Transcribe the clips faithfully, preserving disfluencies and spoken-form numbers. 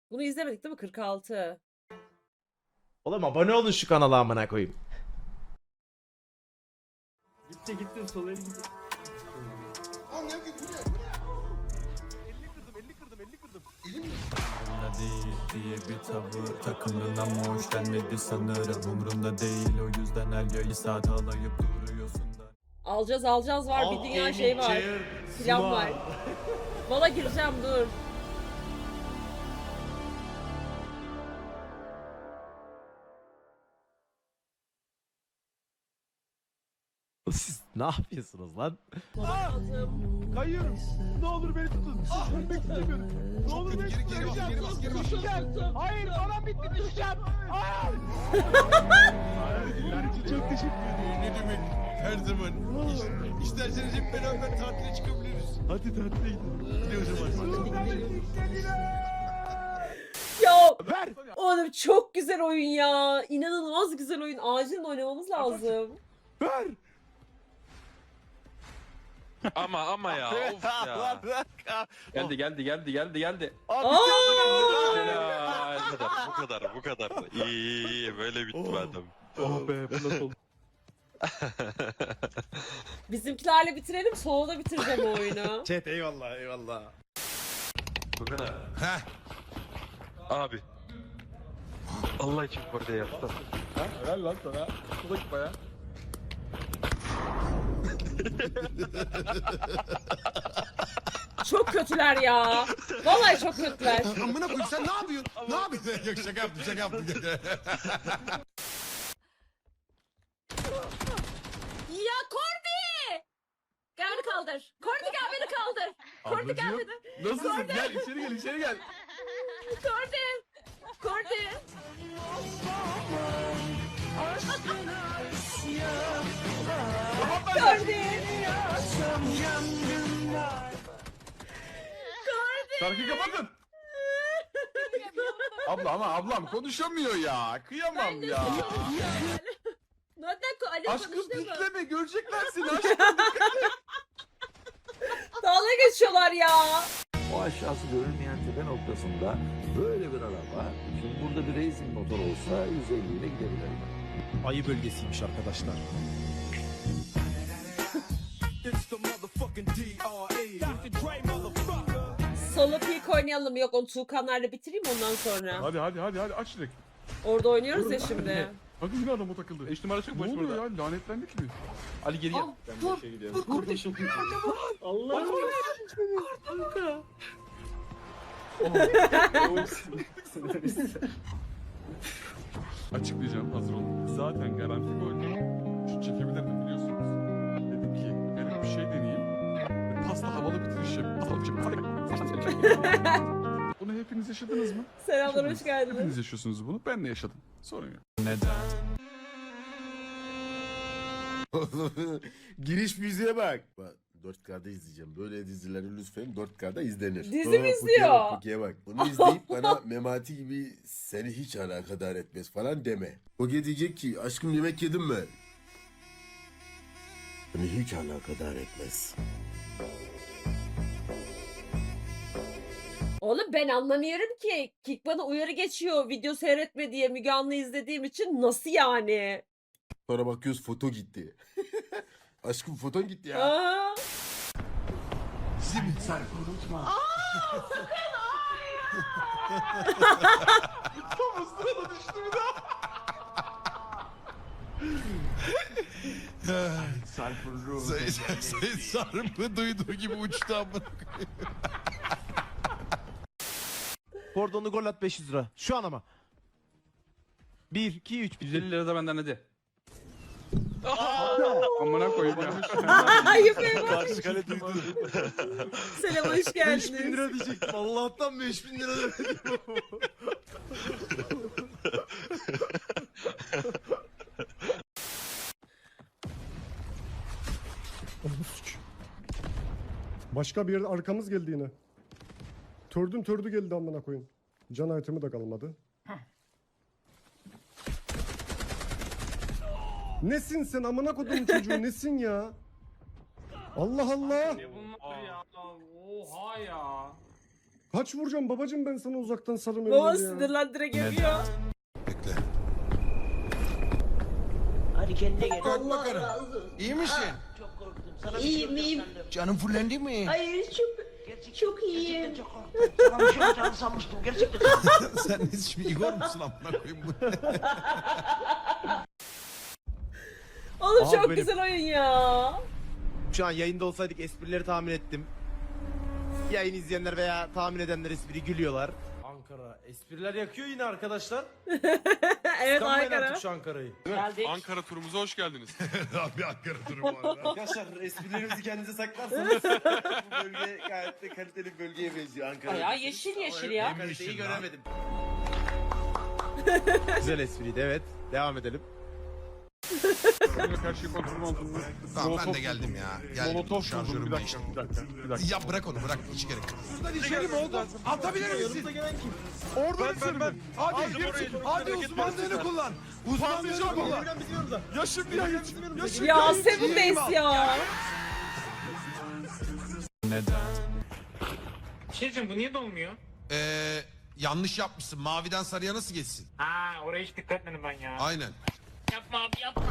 Bunu izlemedik değil mi? kırk altı. Oğlum abone olun şu kanala amına koyayım. Gitti gitti sola gitti. Umrumda değil diye bir tavır takındın ama hoş gelmedi sanırım. Umrumda değil o yüzden her yayı saat alayıp duruyorsun da. Alacağız alacağız var. Bir dünya şey var. Plan var. Valla gireceğim dur. Siz ne yapıyorsunuz lan? Kayıyorum. Ne olur beni tutun. Ah, ölmek istemiyorum. Ne olur beni tutun. Geri geri geri bas geri bas. Düşeceğim. Hayır bana bitti düşeceğim. Hayır. Çok teşekkür ederim. Ne demek? Her zaman. İş, isterseniz hep beraber tatile çıkabiliriz. Hadi tatile gidelim. Hadi o zaman. Ya Ver. oğlum çok güzel oyun ya. İnanılmaz güzel oyun. Acilen oynamamız lazım. Ver. Ama ama ya of ya. Geldi geldi geldi geldi geldi. Aa! Helal. Bu kadar bu kadar bu kadar. İyi iyi iyi böyle bitti adam. Oh be bu nasıl oldu? Bizimkilerle bitirelim. Sonra da bitireceğim o oyunu. Chat eyvallah eyvallah. Bu kadar. Heh. Abi. Allah için burada yaptım. Ha? Helal lan sana. Bu da baya. Çok kötüler ya. Vallahi çok kötüler. Amına koyayım sen ne yapıyorsun? Ne yapıyorsun? Yok şaka yaptım şaka yaptım. Ya Kordi! Gel beni kaldır. Kordi gel beni kaldır. Kordi gel beni. Nasılsın? Gel içeri gel içeri gel. Kordi. Kordi. Kordi. Şarkıyı kapatın. Abla ama ablam konuşamıyor ya. Kıyamam ya. Nereden ko Ali Aşkım konuştu mu? titreme görecekler seni aşkım. Dalga geçiyorlar ya. O aşağısı görülmeyen tepe noktasında böyle bir araba, şimdi burada bir racing motor olsa yüz elli ile gidebilir. Ayı bölgesiymiş arkadaşlar. Solo peak oynayalım. Yok onu Tuğkanlarla bitireyim ondan sonra. Hadi hadi hadi hadi aç direkt. Orada oynuyoruz ya şimdi. Hadi yine adama takıldı. Eş numara çık ne oluyor ya lanetlendik mi? Ali geri gel. Dur. Dur kardeşim. Allah'ım. Kanka. Açıklayacağım hazır olun. Zaten garanti gol. Şu çekebilirim biliyorsunuz. Dedim ki benim bir şey deneyeyim. Ve Pasla havalı bitiriş yapayım. Havalı bir şey. Bunu hepiniz yaşadınız mı? Selamlar hoş Hepiniz geldiniz. yaşıyorsunuz bunu. Ben de yaşadım. Sorun yok. Neden? Giriş müziğe bak. Bak dört K'da izleyeceğim. Böyle dizileri lütfen dört K'da izlenir. Dizi Aa, mi Puki'ye izliyor? Bak, Puki'ye bak. Bunu izleyip bana Memati gibi seni hiç alakadar etmez falan deme. Puki diyecek ki aşkım yemek yedim mi? Beni hiç alakadar etmez. Oğlum ben anlamıyorum ki. Kik bana uyarı geçiyor video seyretme diye Müge Anlı izlediğim için. Nasıl yani? Sonra bakıyoruz foto gitti. Aşkım foton gitti ya. Aa, Sayın Sayın Sarım'ı duyduğu gibi uçtu amına. Kordonu gol at beş yüz lira. Şu an ama. bir, iki, üç. yüz elli lira da benden hadi. Amına koyayım ya. yapayım. Karşı kale duydu. Selam hoş beş bin geldiniz. lira diyecektim. Allah'tan beş bin lira demedim. Başka bir yerde arkamız geldi yine. Tördün tördü geldi amına koyun. Can itemi de kalmadı. Nesin sen amına kodumun çocuğu nesin ya? Allah Allah. Bunlar ya. Oha ya. Kaç vuracağım babacım ben sana uzaktan sarım Baba öyle ya. sinirlendire geliyor. Bekle. Hadi kendine gel. Allah razı olsun. İyi misin? Çok korktum. Sana İyiyim, bir şey iyiyim. olacak sandım. Canın fullendi mi? Hayır çok Gerçekten, çok iyiyim. gerçekten çok korktum. Sana bir şey olacağını sanmıştım. Gerçekten. Sen ne şimdi Igor musun amına koyayım bu? Oğlum Abi çok benim- güzel oyun ya. Şu an yayında olsaydık esprileri tahmin ettim. Yayın izleyenler veya tahmin edenler espri gülüyorlar. Ankara. Espriler yakıyor yine arkadaşlar. Evet Kıskanmayın Ankara. artık şu Ankara'yı. Geldik. Ankara turumuza hoş geldiniz. Abi Ankara turu bu arada. Arkadaşlar esprilerinizi kendinize saklarsanız bu bölge gayet de kaliteli bir bölgeye benziyor Ankara. Bayağı yeşil yeşil ya. Kaliteyi göremedim. Güzel espriydi evet. Devam edelim. Her şey kontrol altında. Tamam ben Molotof de geldim buldum. ya. Geldim. Molotof buldum. Şarjörüm Bir dakika, değişti. bir dakika, bir dakika. Ya bırak onu bırak hiç gerek yok. Buradan içeri mi oldu? Atabilir misin? Orada ben, ben, ben. Hadi girsin. Hadi uzmanlığını kullan. Uzmanlığını kullan. Yaşım ya yaşım. Ya Seven Days ya. Neden? Bir şey diyeceğim, bu niye dolmuyor? Ee, yanlış yapmışsın. Maviden sarıya nasıl geçsin? Ha, oraya hiç dikkat etmedim ben ya. Aynen. Yapma abi yapma.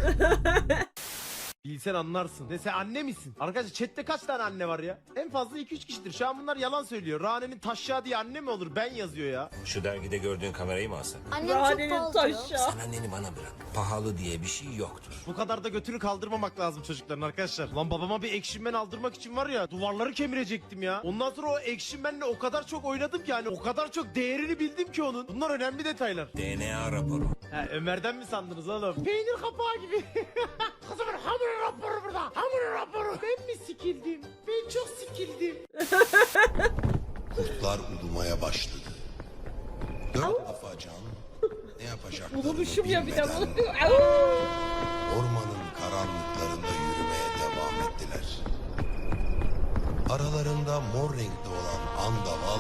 Bilsen anlarsın. Ne sen anne misin? Arkadaşlar chatte kaç tane anne var ya? En fazla iki üç kişidir. Şu an bunlar yalan söylüyor. Rane'nin taşya diye anne mi olur? Ben yazıyor ya. Şu dergide gördüğün kamerayı mı alsak? Annem çok Rahanenin pahalı diyor. taşa. Sen anneni bana bırak. Pahalı diye bir şey yoktur. Bu kadar da götünü kaldırmamak lazım çocukların arkadaşlar. Lan babama bir Action Man aldırmak için var ya duvarları kemirecektim ya. Ondan sonra o Action Man'le o kadar çok oynadım ki hani o kadar çok değerini bildim ki onun. Bunlar önemli detaylar. D N A raporu. Ha, Ömer'den mi sandınız oğlum? Peynir kapağı gibi. Kızımın hamur raporu burada. Hamur raporu. Ben mi sikildim? Ben çok sikildim. Kurtlar ulumaya başladı. Dört afacan ne yapacaklarını Bulmuşum ya bir de bilmeden bunu. ormanın karanlıklarında yürümeye devam ettiler. Aralarında mor renkli olan andaval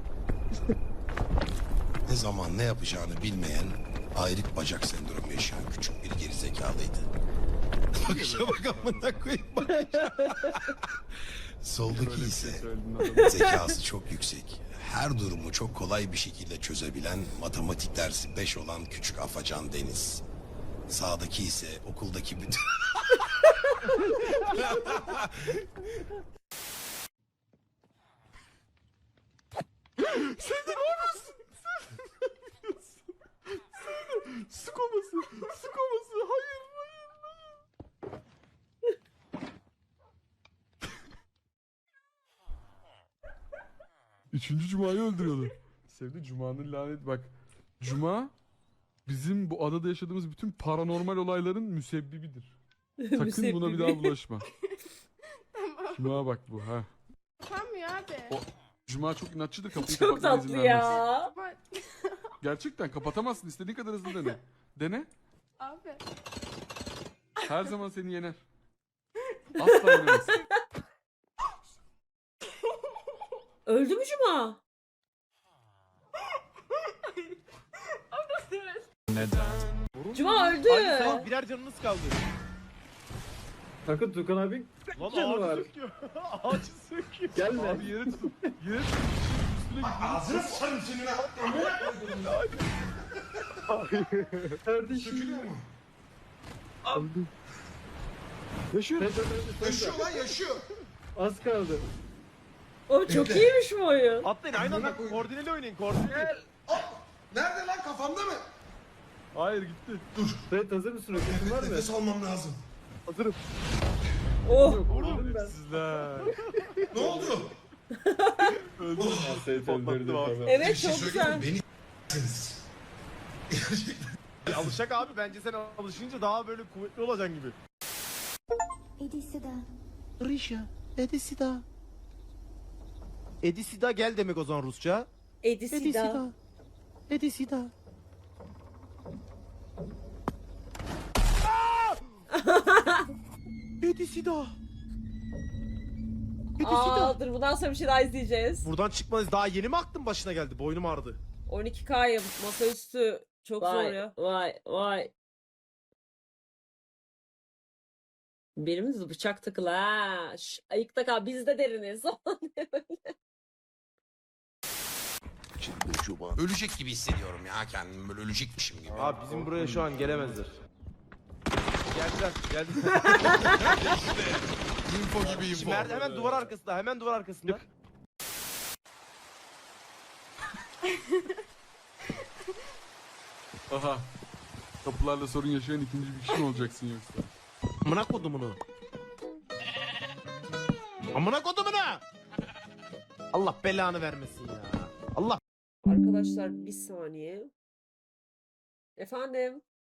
ne zaman ne yapacağını bilmeyen ayrık bacak sendromu yaşayan küçük bir gerizekalıydı. Bakışa bak amına koyayım bak. Soldaki ise zekası çok yüksek. Her durumu çok kolay bir şekilde çözebilen matematik dersi beş olan küçük afacan Deniz. Sağdaki ise okuldaki bütün... Su koması. Su koması. Hayır hayır hayır. Üçüncü Cuma'yı öldürüyordu. Sevdi Cuma'nın lanet bak. Cuma bizim bu adada yaşadığımız bütün paranormal olayların müsebbibidir. Sakın buna bir daha bulaşma. Cuma bak bu ha. Yapamıyor abi. O- Cuma çok inatçıdır, kapıyı Çok kapatmana izin tatlı vermez. ya. Gerçekten kapatamazsın, istediğin kadar hızlı dene. Dene. Abi. Her zaman seni yener. Asla yenemez. Öldü mü Cuma? Neden? Cuma öldü. Hadi sen birer canınız kaldı. Takın Tukan abi. Lan Canı ağacı var. söküyor. ağacı söküyor. Gelme. Abi yere tutun. Yere tutun. Üstüne git. Ağzını sıçarım senin ha. Kardeşim. Sökülüyor mu? Yaşıyor. Yaşıyor lan yaşıyor. Az kaldı. Oğlum çok iyiymiş bu oyun. Atlayın aynı anda koordineli oynayın koordineli. Nerede lan kafamda mı? Hayır gitti. Evet hazır mısın? Öküzün var mı? Nefes almam lazım. Hazırım. Oh. Vurdum ben. Sizler. Ne oldu? Patlattım abi. Evet Bir şey çok söyleyeyim güzel. mi? Beni s**siniz. Gerçekten. Alışacak abi bence sen alışınca daha böyle kuvvetli olacaksın gibi. Edisida. Risha, Edisida. Edisida gel demek o zaman Rusça. Edisida. Edisida. Edisida. Edisida. Aa dur bundan sonra bir şey daha izleyeceğiz. Buradan çıkmanız daha yeni mi aklın başına geldi? Boynum ağrıdı. on iki K'yım. Masaüstü. Çok zor Vay ya. vay vay. Birimiz bıçak takılı ha. Şş, ayıkta kal biz de deriniz. Ölecek gibi hissediyorum ya kendimi, böyle ölecekmişim gibi. Abi bizim buraya şu an gelemezler. Geldiler, geldiler. Info gibi info. Şimdi Mert hemen duvar arkasında, hemen duvar arkasında. Aha. Kapılarla sorun yaşayan ikinci bir kişi mi olacaksın yoksa? Amına kodumunu. Amına kodumunu. Allah belanı vermesin ya. Allah. Arkadaşlar bir saniye. Efendim?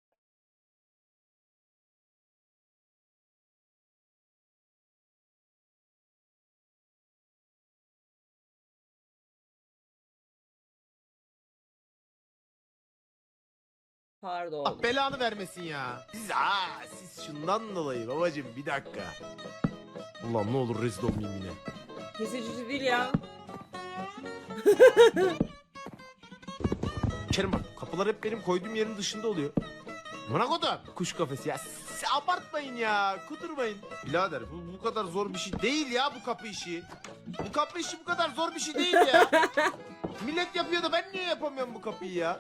Pardon. Allah belanı vermesin ya. Siz aa siz şundan dolayı babacım bir dakika. Allah'ım ne olur rezil olmayayım yine. Kesici değil ya. Kerim bak kapılar hep benim koyduğum yerin dışında oluyor. Bana kodum. Kuş kafesi ya. Siz abartmayın ya. Kudurmayın. Birader bu bu kadar zor bir şey değil ya bu kapı işi. Bu kapı işi bu kadar zor bir şey değil ya. Millet yapıyor da ben niye yapamıyorum bu kapıyı ya?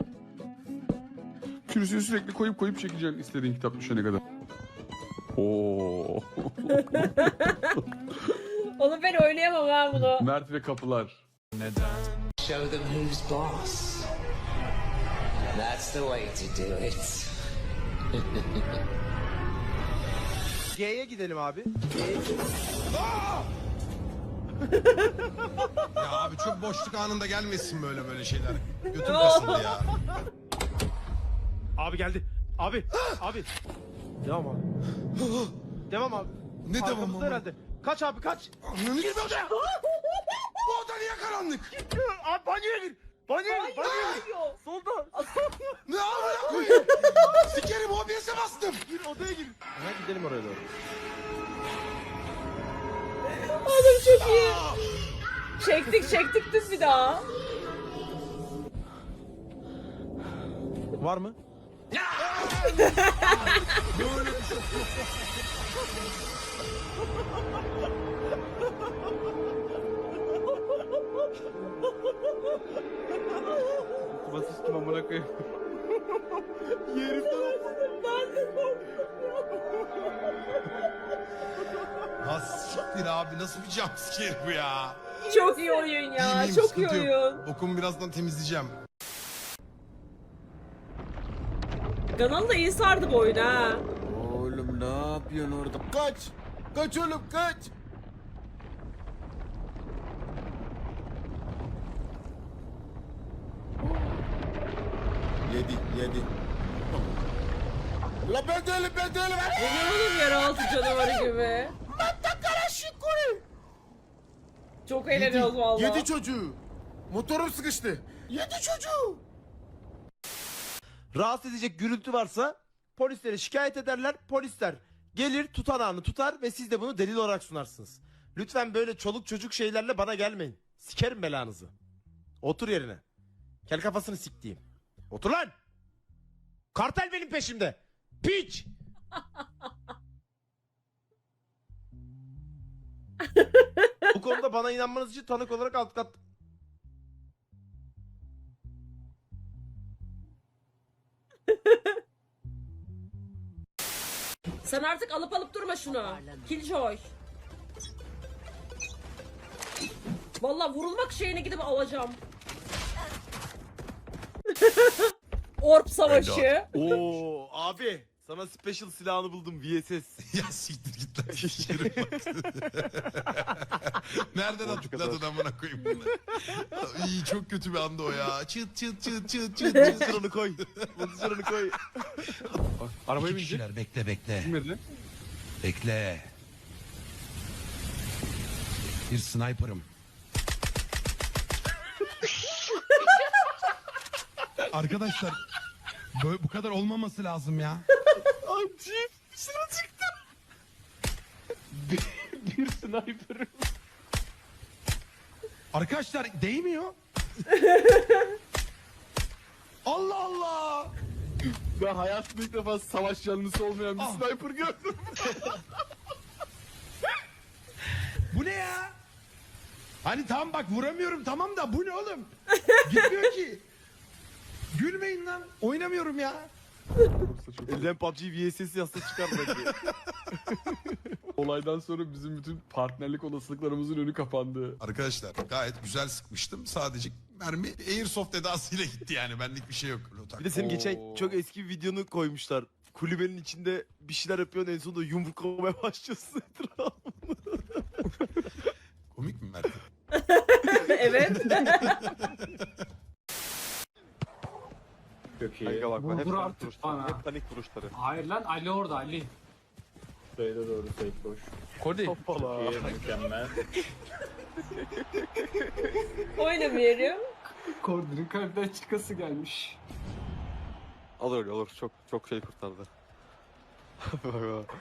Kürsüyü sürekli koyup koyup çekeceksin istediğin kitap düşene kadar. Oo. Onu ben oynayamam ha bunu. Mert ve kapılar. Show them who's boss. That's the way to do it. G'ye gidelim abi. Ya abi çok boşluk anında gelmesin böyle böyle şeyler. Götüm kasıldı ya. Abi geldi. Abi. abi. Devam abi. Devam abi. Ne devam Arkamızda ama? herhalde. Kaç abi kaç. Ananı girme odaya. Bu oda niye karanlık? Abi banyoya gir. Banyoya gir. Banyoya gir. Hayır. Solda. Ne amına koyayım? Sikerim O B S'e bastım. Gir odaya gir. Ha gidelim oraya doğru. Oğlum çok iyi. Çektik çektik düz bir daha. Var mı? Basıştım amına koyayım. Ha siktir abi, nasıl bir jumpscare bu ya? Çok iyi oyun ya. İyiyim, Çok iyi sıkıntı yok. oyun. Okumu birazdan temizleyeceğim. Ganal da iyi sardı bu oyunu ha. Oğlum ne yapıyorsun orada? Kaç! Kaç oğlum kaç! Yedi, yedi. La ben değilim, ben değilim. Ne diyor oğlum yeraltı canavarı gibi. Çok eğleniyoruz valla. Yedi çocuğu. Motorum sıkıştı. Yedi çocuğu. Rahatsız edecek gürültü varsa polislere şikayet ederler. Polisler gelir tutanağını tutar ve siz de bunu delil olarak sunarsınız. Lütfen böyle çoluk çocuk şeylerle bana gelmeyin. Sikerim belanızı. Otur yerine. Kel kafasını siktiğim. Otur lan. Kartel benim peşimde. Piç. Bu konuda bana inanmanız için tanık olarak alt kat... Sen artık alıp alıp durma şunu. Killjoy. Valla vurulmak şeyine gidip alacağım. Orp savaşı. Oo abi sana special silahını buldum V S S. Ya siktir git lan. Sikerim bak. Nereden hatırladın amına koyayım bunu? İyi, çok kötü bir anda o ya. Çıt çıt çıt çıt çıt. Monitörünü koy. Monitörünü koy. Arabaya İki binecek. kişiler, bekle bekle. Bilmedi. Bekle. Bir sniper'ım. Arkadaşlar böyle bu kadar olmaması lazım ya. Acayip dışarı çıktım. Bir, bir sniper'ım. Arkadaşlar değmiyor. Allah Allah. Ben hayatımda ilk defa savaş yanlısı olmayan bir Ah. sniper gördüm. Bu ne ya? Hani tamam bak vuramıyorum tamam da bu ne oğlum? Gitmiyor ki. Gülmeyin lan. Oynamıyorum ya. Elden P U B G V S S yazsa çıkar belki. Olaydan sonra bizim bütün partnerlik olasılıklarımızın önü kapandı. Arkadaşlar gayet güzel sıkmıştım. Sadece mermi Airsoft edasıyla gitti yani. Benlik bir şey yok. Bir de senin geçen Oo. çok eski bir videonu koymuşlar. Kulübenin içinde bir şeyler yapıyorsun en sonunda yumruklamaya başlıyorsun etrafı. Komik mi Mert? Evet. Çok iyi. Kanka bak hep panik vuruşları. Hep panik vuruşları. Hayır lan Ali orada Ali. Hoppala. Oynamıyorum. Kordunun kalpten çıkası gelmiş. Olur olur çok çok şey kurtardı. Bak bak.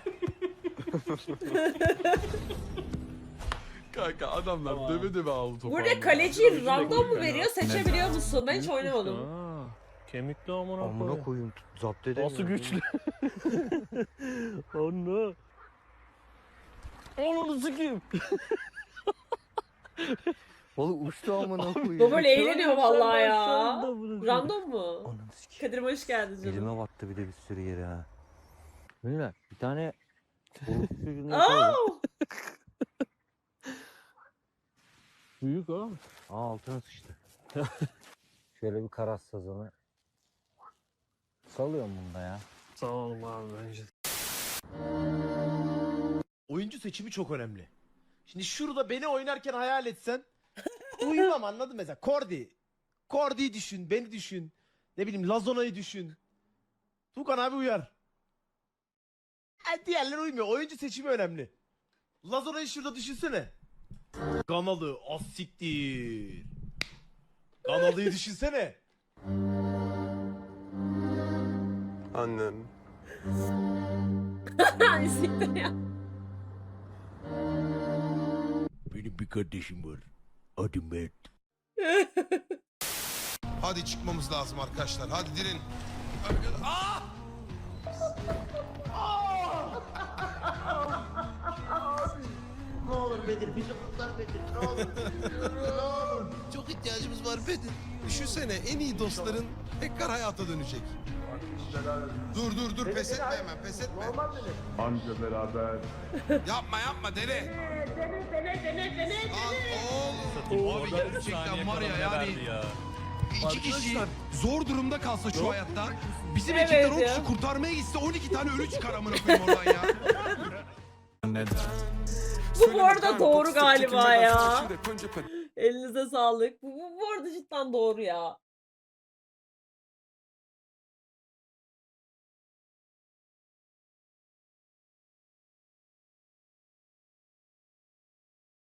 Kanka adamlar döve döve aldı topu. Burada kaleci random mu veriyor, seçebiliyor musun? Ben hiç oynamadım. Kemikli amına Amına koyayım. Zapt edemiyorum. Nasıl güçlü? Onu. Onu sikeyim. Oğlum uçtu amına koyayım. Bu böyle eğleniyor vallahi ya. Random mu? Ananı sikeyim. Kadir'im hoş geldin canım. Elime battı bir de bir sürü yere ha. Böyle bir tane Aa! büyük ha. Aa altına sıçtı. Şöyle bir karas sazanı. Salıyorum bunda ya. Sağ olun abi bence. Oyuncu seçimi çok önemli. Şimdi şurada beni oynarken hayal etsen uyumam anladın mı? Mesela Kordi. Kordi'yi düşün, beni düşün. Ne bileyim Lazona'yı düşün. Tukan abi uyar. E, diğerleri uymuyor. Oyuncu seçimi önemli. Lazona'yı şurada düşünsene. Ganalı, asiktir. Ganalı'yı düşünsene. Annen. Siktir ya. Benim bir kardeşim var. Adı Mert. Hadi çıkmamız lazım arkadaşlar. Hadi dirin. Aa! Ne olur Bedir bizi kurtar Bedir ne olur. Ne olur. Çok ihtiyacımız var Bedir. Düşünsene en iyi dostların tekrar hayata dönecek. Dur dur dur pes etme hemen pes etme. Anca beraber. Yapma yapma dene. Dene dene dene dene. Oğlum. Abi gerçekten var ya yani. İki kişi zor durumda kalsa şu hayatta. Bizim Evet ekipten on ya. kişi kurtarmaya gitse on iki tane ölü çıkar amına koyayım oradan ya. Neden? Bu bu arada doğru galiba ya. Elinize sağlık. Bu, bu, bu arada cidden doğru ya.